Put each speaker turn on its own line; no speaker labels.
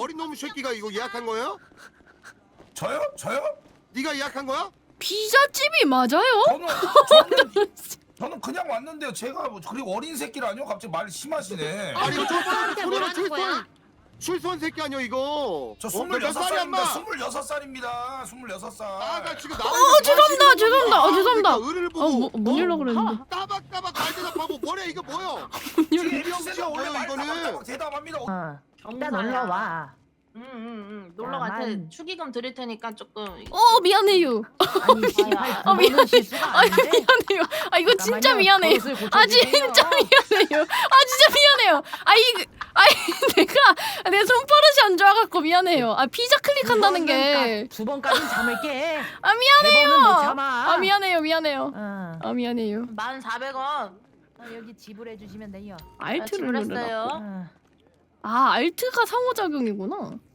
어린 놈 새끼가 이거 예약한 거예요?
저요?
네가 예약한 거야?
피자집이 맞아요?
저는 그냥 왔는데요. 제가 뭐 그리고 어린 새끼라뇨? 갑자기 말이 심하시네.
아니 이거
사람한테 뭐라는 거야?
출소한 새끼 아니야 이거?
저
몇 살이야,
26살입니다. 26살입니다. 26살.
아나 지금
죄송합니다.
의를 보고
문 열라 그랬는데.
따박따박 말 대답하고 뭐래 이거 뭐야?
지금
병신아,
원래
뭐야,
말
이거는?
따박따박 대답합니다.
일단 놀러 와.
놀러 갈 테
나만-
축의금 드릴 테니까 조금.
미안해요.
아니 씨발
아,
그거는 실수가 아닌데.
미안해요. 아 이거 진짜 미안해요. 아 진짜 미안해요. 아 진짜 미안해요. 내가 손버릇이 안 좋아갖고 미안해요. 아 피자 클릭한다는 게.
두 번까지 참을 게.
아 미안해요.
네 번은 못 참아.
아 미안해요.
응.
아 미안해요.
1,400원.
여기 지불해 주시면 돼요.
알트를 눌러라.
지불했어요.
응.
아 알트가 상호작용이구나.